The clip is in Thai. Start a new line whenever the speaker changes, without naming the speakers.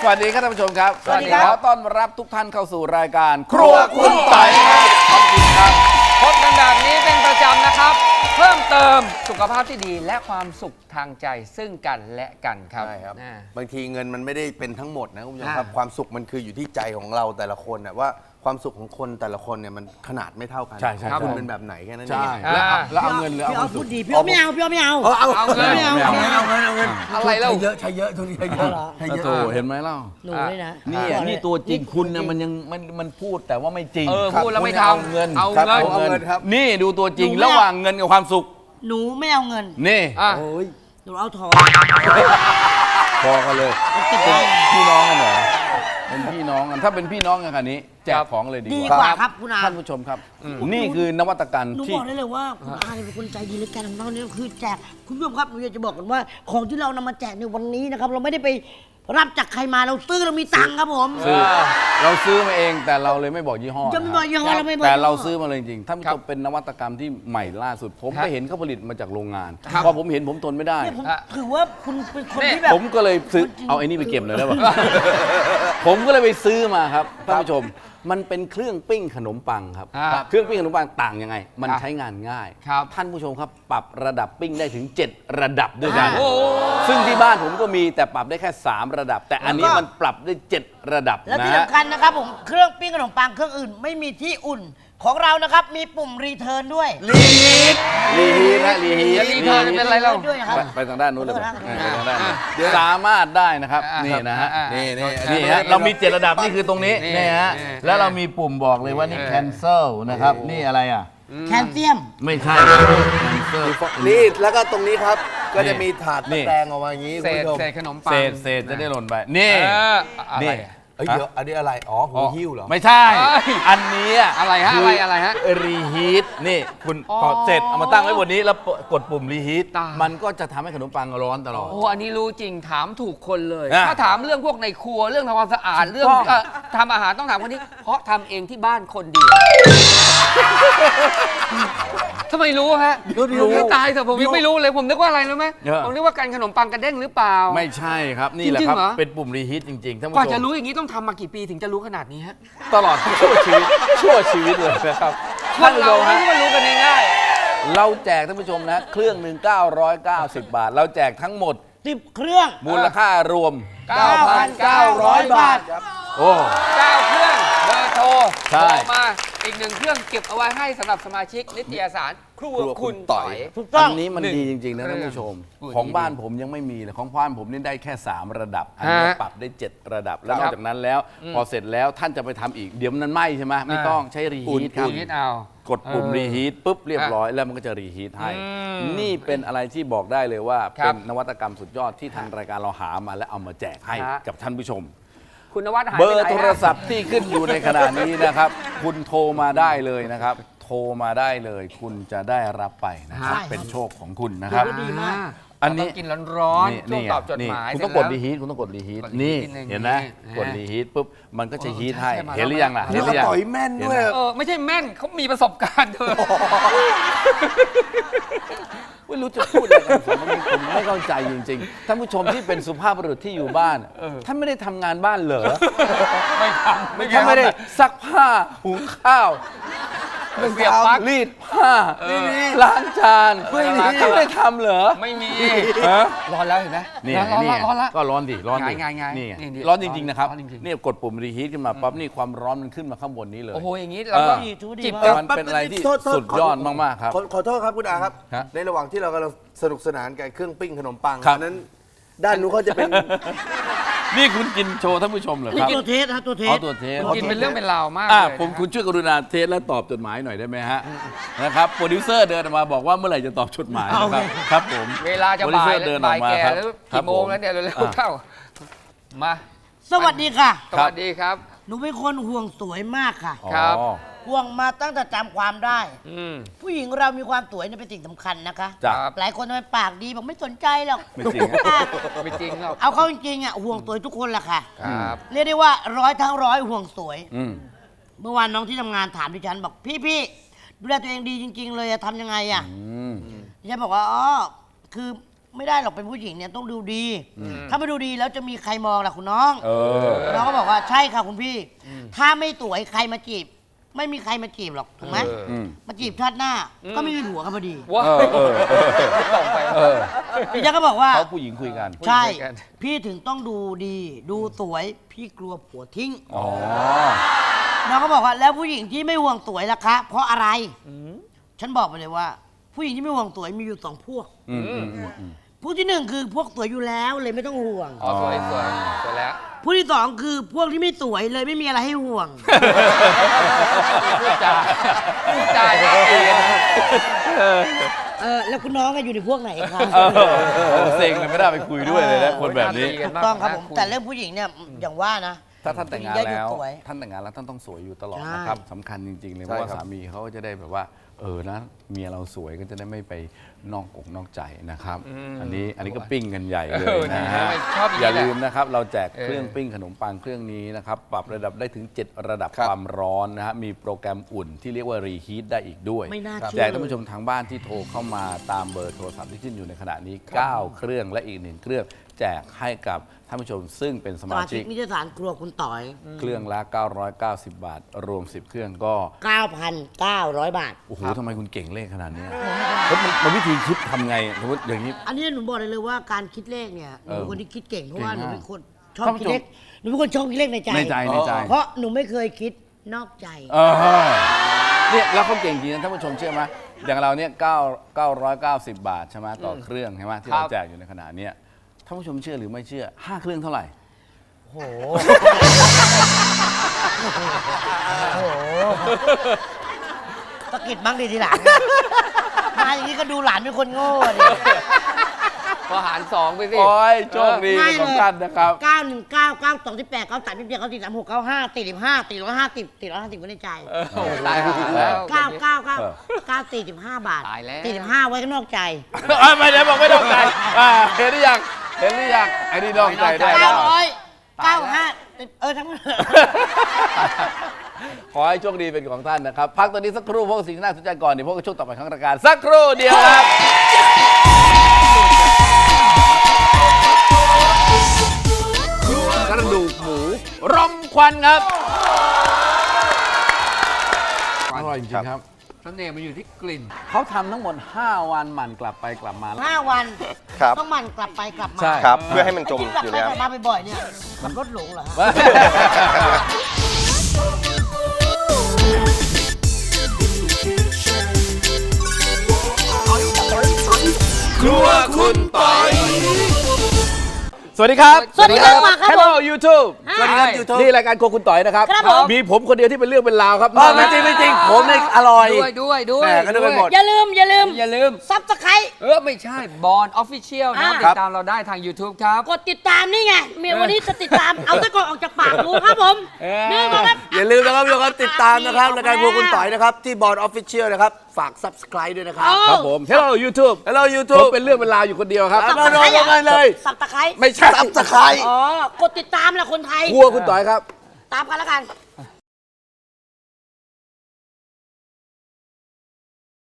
สวัสดีครับท่านผู้ชมครับ
สวัสดีครับ
ขอต้อนรับทุกท่านเข้าสู่รายการครัวคุณต่อยครับขอบคุณครับ
พบกันแบบนี้เป็นประจำนะครับ เพิ่มเติมสุขภาพที่ดีและความสุขทางใจซึ่งกันและกันครับ
ใช่ครับ
อ่า
บางทีเงินมันไม่ได้เป็นทั้งหมดนะคุณผู้ชมครับ
อ่า
ความสุขมันคืออยู่ที่ใจของเราแต่ละคนนะว่าความสุขของคนแต่ละคนเนี่ยมันขนาดไม่เท่ากัน
ใช่ใช่
ของคุณ
ครับ
เป็นแบบไหนแค่นั้นเอ
ใช่
ง
แล้วเอาเงินหรือเอาความสุ
พู
ข
ดดีพี่เอาไม่เอาพี่เอาไม่เอา
เอาเงิน
ไม่เอา
เอาเงิน
อะไรเล่า
ใช้เยอะใช้เยอะทุกทีใช้เยอะใช้เย
โต
อะ
เห็นไหมเล่า
หนูเลยนะ
นี่ตัวจริงคุณนะมันพูดแต่ว่าไม่จริง
พูดแล้วไม่
คุณเอา
ทำ
เงิน
เอา
ครับ
เงิน
เอาเงินครับนี่ดูตัวจริงระหว่างเงินกับความสุข
หนูไม่เอาเงิน
นี่
อ่ะ
หนูเอาทอง
พอกันเลยเป็นพี่น้องกันเหรอเป็นพี่น้องกันถ้าเป็นพี่น้องกันขนาดนี้แจกของเลยดี
ดี
ก
ก
ว่า
ว่าครับคุณอา
ท่านผู้ชมครับ นี่คือนวัตกรรม
หนู
ที่
บอกได้เลยว่าคุณอาเนี่ยเป็นคนใจดีและการของเราเนี่ยคือแจกคุณผู้ชมครับหนูอยากจะบอกกันว่าของที่เรานำมาแจกในวันนี้นะครับเราไม่ได้ไปรับจากใครมาเราซื้อเรามีตังค์ครับผม
เราซื้อมาเองแต่เราเลยไม่บอกยี่ห้อ
จะไม่บอกยี่ห้อเราไม่บอก
แต่
ยี่ห้อ
เราซื้อมาเลยจริงๆท่านผู้ชมเป็นนวัตกรรมที่ใหม่ล่าสุด ผมไปเห็นเขาผลิตมาจากโรงงานพอผมเห็นผมทนไม่ได้
เนี่ยผมถือว่าคุณเป็นคนที่แบบ
ผมก็เลยซื้อเอาไอ้นี่ไปเก็บเลยได้ป่ะ ผมก็เลยไปซื้อมาครับท่านผู้ชมมันเป็นเครื่องปิ้งขนมปังครับ
ครับ
เครื่องปิ้งขนมปังต่างยังไง มัน
ครับ
ใช้งานง่าย
ครับ
ท่านผู้ชมครับปรับระดับปิ้งได้ถึง 7 ระดับด้วยกัน
โอ้โห
ซึ่งที่บ้านผมก็มีแต่ปรับได้แค่ 3 ระดับ แต่อันนี้มันปรับได้ 7 ระดับ
แล้ว
นะ
ที่
ฮะ
สำคัญนะครับผมเครื่องปิ้งขนมปังเครื่องอื่นไม่มีที่อุ่นของเรานะครับมีปุ่มรีเทิร์นด้วย
รีฮีทนะรีฮีท
รีเทิร์นเป็นไรเล่า
ด้วยนะครับ
ไปทางด้านนู้นเลย
ขอโทษนะ
ไปทางด้านนู้นสามารถได้นะครับนี่นะฮะ
นี่นี่
นี่ฮะเรามี 7 ระดับนี่คือตรงนี้
นี่
นี่ฮะ
นี่
แล้วเรามีปุ่มบอกเลยว่านี่ cancel นะครับนี่อะไรอ่ะ
แคลเซียม
ไม่ใช่ cancel
นี่แล้วก็ตรงนี้ครับก็จะมีถาด
นี่
ตะแกรงออกมาอย่างนี้
เศ
คุณ
ษ
ผู้ชม
เศษขนมปัง
เศษจะได้หล่นไปนี่
อะไร
นี่
เอ้ยเดี๋ยวอันนี้อะไรอ๋อหูหิ้วเหรอ
ไม่ใช่ อันนี้
อะไรฮะอะไรฮะ
รีฮีทนี่คุณ
อ๋อ
พอเสร็จเอามาตั้งไว้บนนี้แล้วกดปุ่มรีฮีท
ตาย
มันก็จะทำให้ขนมปังร้อนตลอด
โอ้อันนี้รู้จริงถามถูกคนเลย
อ่ะ
ถ้าถามเรื่องพวกในครัวเรื่องทำความสะอาดเรื่อง
ถูกต้อง
ทำอาหารต้องถามคนนี้ เพราะทำเองที่บ้านคนเดียวทำไมรู้ฮะรู้ตายแต่ผมยังไม่รู้เลยผมนึกว่าอะไรรู้ไหม
เยอะ
ผมนึกว่าการขนมปังกระเด้งหรือเปล่า
ไม่ใช่ครับนี่แหละ
จริงๆ
ครับ
เหรอ
เป็นปุ่มรีฮีทจริงๆท่าน
ก
ผู้
ว่า
ช
จะ
ม
รู้อย่างนี้ต้องทำมากี่ปีถึงจะรู้ขนาดนี้ฮะ
ตลอดชั่วชีวิตเลยนะครับ
คนเราไม่
ท่านผู้ชมฮะ
ใช่มารู้กันง่าย
เราแจกท่านผู้ชมนะเครื่องหนึ่ง990 บาท เราแจกทั้งหมด
10 เครื่อง
มูลค่ารวม
9,900 บาท
โอ้
ๆ9เครื่องเบอร์โทร
ใช่
โทรมาอีก1เครื่องเก็บเอาไว้ให้สำหรับสมาชิกนิตยสารครัวคุณต่อย
ถูกต้
อั
อง
นนี้มัน
หนึ่ง
ดีจริงๆนะท่านผู้ชม
อุ้ย
ของบ้านผมยังไม่มีเลยของบ้านผมนี่ได้แค่ 3 ระดับ อันนี้
ฮะ
ปรับได้ 7 ระดับ แล้วน
ครั
อบ กจากนั้นแล้ว พอเสร็จแล้วท่านจะไปทำอีก เดี๋ยวมันไหม้ใช่ไหมไม่ต้องใช้รีฮีทครับ
รีฮีทเอา
กดปุ่มรีฮีทปุ๊บเรียบร้อยแล้วมันก็จะรีฮีทให้ นี่เป็นอะไรที่บอกได้เลยว่า
ครั
เป็
บ
นนวัตกรรมสุดยอดที่ทางรายการเราหามาและเอามาแจกให้
ฮะ
กับท่านผู้ชม
คุณนวัดหาย
เบ
ไป
อ
ไหน
ร์โทรศัพท์ที่ขึ้นอยู่ในขณะนี้นะครับ คุณโทรมาได้เลยนะครับ โทรมาได้เลย คุณจะได้รับไปนะครับ
ใช่
เป็นโชคของคุณนะครับ
ดีมาก
อันนี้
ต้องกินร้อนๆช่วงตอบจดหมาย
คุณต้อง
เส
ก
ร็
ด
จ
รี
แล้ว
ฮีทคุณต้องกดรีฮีท
กดรีฮีท
นี่
นิดนึง
เห็นไหม
นี่
กดรีฮีทปุ๊บมันก็จะฮีทให้
ใช่มา
เห็นหรือยังล่ะ
แล้
เห็น
ว
หรือยัง
ต่อยแม่นด้วย
ไม่ใช่แม่นเขามีประสบการณ์เธอ
ไม่รู้จะพูดอะไรกันผมไม่เข้าใจจริงๆท่านผู้ชมที่เป็นสุภาพบุรุษที่อยู่บ้านท่านไม่ได้ทำงานบ้านเหรอ
ไม่ทำ
ท่านไม่ได้ซักผ้าหุงข้าว
เสียบปลั๊ก
รีดผ้าล้างจาน
ไม่มี
ท่านไม่ได้ทำเหรอ
ไม่มี
ฮะ
ร้อนแล้วเห็นไหม
นี่
ร้อน
นี่
ละร้อนละ
ก็ร้อนดิร้อนดิ
ง่ายๆ
นี่
นี่
ร้อนจริงๆนะครับ
ร้อนจริงๆ
นี่กดปุ่มรีฮีทขึ้นมาปั๊บนี่ความร้อนมันขึ้นมาข้างบนนี้เลย
โอ้โหอย่างนี้เราก็
จิบ
มันเป็นอะไรที่สุดยอดมากๆครับ
ขอโทษครับคุณอาครับ
ฮะ
ในระหว่างที่เรากำลังสนุกสนานกับเครื่องปิ้งขนมปัง
ครับ
อันนั้นด้านนู้นเขาจะเป็น
นี่คุณกินโชว์ท่านผู้ชมเหรอครับ
ตัวเทสฮะตัวเท
อ๋อ
ส
ตัวเทส
กินเป็นเรื่องเป็นราวมาก
อ่ะ
เลย
ผมคุณช่วยกรุณาเทสและตอบจดหมายหน่อยได้ไหมฮะนะครับโปรดิวเซอร์เดินออกมาบอกว่าเมื่อไหร่จะตอบจดหมายนะครับครับผม
เวลาจะ
โปรดิว
บ่า
เซ
ย
อร์เดินอ
บ่า
อย กมา
แก่
ครับ
แล้ว
ครับ
กี่โมงแล้วเนี่ยเร็ว
อ่ะ
ๆเข้ามา
สวัสดีค่ะ
สวัสดีครับ
หนูเป็นคนห่วงสวยมากค่ะ
ครับ
อ๋อ
ห่วงมาตั้งแต่จำความได้
อืม
ผู้หญิงเรามีความสวยเนี่ยเป็นสิ่งสำคัญนะคะ
จ้ะ
ครับ
หลายคนทำไมปากดีบอกไม่สนใจหรอก
ไม่จริงฮะ
ไม่จริงหรอก
เอาเข้าจริงๆอ่ะห่วงสวยทุกคนแหละค่ะ
ครับ
เรียกได้ว่าร้อยทั้งร้อยห่วงสวย
อืม
เมื่อวานน้องที่ทำงานถามดิฉันบอกพี่ดูแลตัวเองดีจริง ๆ เลยอะทำยังไงอะ
อืม
ดิฉันบอกว่าอ๋อคือไม่ได้หรอกเป็นผู้หญิงเนี่ยต้องดูดี ถ้าไม่ดูดีแล้วจะมีใครมองล่ะคุณน้อง น้องก็บอกว่าใช่ค่ะคุณพี่ ถ้าไม่สวยใครมาจีบ ไม่มีใครมาจีบหรอกถูกไหมมาจีบชาติหน้า ก็ไม่มีผัวกันพอดี
ว้าตรงไป
พี่แจ๊คก็บอกว่า
เขาผู้หญิงคุยกัน
ใช่
คุยกัน
พี่ถึงต้องดูดี ดูสวยพี่กลัวผัวทิ้ง
อ๋อ
น้องก็บอกว่าแล้วผู้หญิงที่ไม่ห่วงสวยล่ะคะ เพราะอะไรฉันบอกไปเลยว่า ผู้หญิงที่ไม่ห่วงสวยมีอยู่2 พวก พวกที่ 1 คือพวกสวยอยู่แล้วเลยไม่ต้องห่วง
อ๋อสวยสวยสวยแล้ว
พวกที่ 2 คือพวกที่ไม่สวยเลยไม่มีอะไรให้ห่วง
พูดจาดีกันนะ
แล้วคุณน้องอยู่ในพวกไหนคะ
เซ็งเลยไม่ได้ไปคุยด้วยเลยนะคนแบบนี้
ถูกต้องครับผมแต่เรื่องผู้หญิงเนี่ยอย่างว่านะ
ถ้าท่านแต่งงาน
ผู้หญิ
แล้ว
สวย
ท่านแต่งงานแล้วท่านต้องสวยอยู่ตลอด
ใช่
นะครับสำคัญจริงๆเลยเพ
ใช่
ราะว่า
ครับ
สามีเขาก็จะได้แบบว่านะเมียเราสวยก็จะได้ไม่ไปนอกอกนอกใจนะครับ อันนี้ก็ปิ้งกันใหญ่เลยนะฮะ
ชอบอย่างนี้
อย่า
แหละ
ลืมนะครับเราแจกเครื่องปิ้งขนมปังเครื่องนี้นะครับปรับระดับได้ถึง 7 ระดับความร้อนนะฮะมีโปรแกรมอุ่นที่เรียกว่ารีฮีทได้อีกด้วย
ไม่น่าเชื่อ
แจกท่านผู้ชมทางบ้านที่โทรเข้ามาตามเบอร์โทรศัพท์ที่ขึ้นอยู่ในขณะนี้ 9 เครื่องและอีก 1 เครื่องแจกให้กับท่านผู้ชมซึ่งเป็นส
ส
มา
มาชิ
ชิ
ก
ก
นิตยสารครัวคุณต่อย
เครื่องละ 990 บาท รวม 10 เครื่องก็
9,900 บาท
โอ้โหทำไมคุณเก่งเลขขนาดนี้แล้วมันวิธีคิดทำไงสมมติอย่างนี้
อันนี้หนูบอกเลยว่าการคิดเลขเนี่ยหนูเป็นคนที่คิดเก่งเพราะว่าห
เก่
นู
งมาก
เป็นคนชอบคิดเลขหนูเป็นคนชอบคิดเลขในใจ
ในใจในใจ
เพราะหนูไม่เคยคิดนอกใจ
เนี่ยแล้วเขาเก่งจริงนะท่านผู้ชมเชื่อไหมอย่างเราเนี่ย990 บาทใช่ไหมต่อเครื่องใช่ไหมที่เราแจกอยู่ในขณะเนี้ยท่านผู้ชมเชื่อหรือไม่เชื่อ 5 เครื่องเท่าไหร่
โห ตะกิดบ้างดีทีหลังมาอย่างนี้ก็ดูหลานเป็นคนโง่ดิ
พอหาร2ไปสิ
โอ้ยโชคดีของท่านนะครับ
919 92 27 94 36 95 45 450 450ไว้ในใจ
ตายหาแล้ว
945 บาท
ตายแล้ว
45 ไว้ก็นอกใจ
ไม่ได้บอกไม่ต้องใจเห็นหรือยังเห็นหรือยังไอ้นี่นอกใจได้แล้ว
995ทั้งหมด
ขอให้โชคดีเป็นของท่านนะครับ พักตอนนี้สักครู่พวกสิ่งที่น่าสนใจก่อนเดี๋ยวพวกช่วงต่อไปของรายการสักครู่เดียวครับกระดูกหมูรมควันครับอร่อยจริงๆครับ
เสน่ห์มันอยู่ที่กลิ่น
เขาทำทั้งหมด 5 วันหมั่นกลับไปกลับมา
5 วัน
ครับ
ต้องหมันกลับไปกลับมา
ใช่
ครับ เพื่อให้มันจม
ที่กลับ
อยู่
ไป
ใน
กลับ
น้ำ
มาบ่อยๆเนี่ยมันลดหลงเหรอฮะ
ครัวคุณปอยสวัสดีครับ
สวัสดีครับมาครับ
Hello YouTube
สวัสดีครับ
YouTube
นี่รายการครัวคุณต่อยนะครับ
ครับผม
มีผมคนเดียวที่เป็นเรื่องเป็นราวครับ
ไม่จริงไม่จริงผมเนี่ยอร่อย
ด้วย
แหม่ก็นึกไปหมด
อย่าลืม
อย่าลืม
ซับสไครต์
ไม่ใช่บอลออฟฟิเชียลนะติ
ครั
ด
บ
ตามเราได้ทาง YouTube ครับ
กดติดตามนี่ไงเมียวันนี้จะติดตาม เอาตะกอนออกจากปากดูครับผม นี่ก็ครับ
อย่าลืมนะครับทุกคนติดตามนะครับรายการพวกคุณต่อยนะครับ ที่บอร์ดออฟฟิเชียลนะครับ ฝาก subscribe ด้วยนะครับ
ครับผม Hello YouTube
Hello
ผม
YouTube
เป็นเรื่องเป็นราวอยู่คนเดียวครับ
มาโดนกันเลย
สับตะไคร้
ไม่ใช่
subscribe
อ๋อ กดติดตามแหละคนไทย
ครัวคุณต่อยครับ
ตามกันแล้วกัน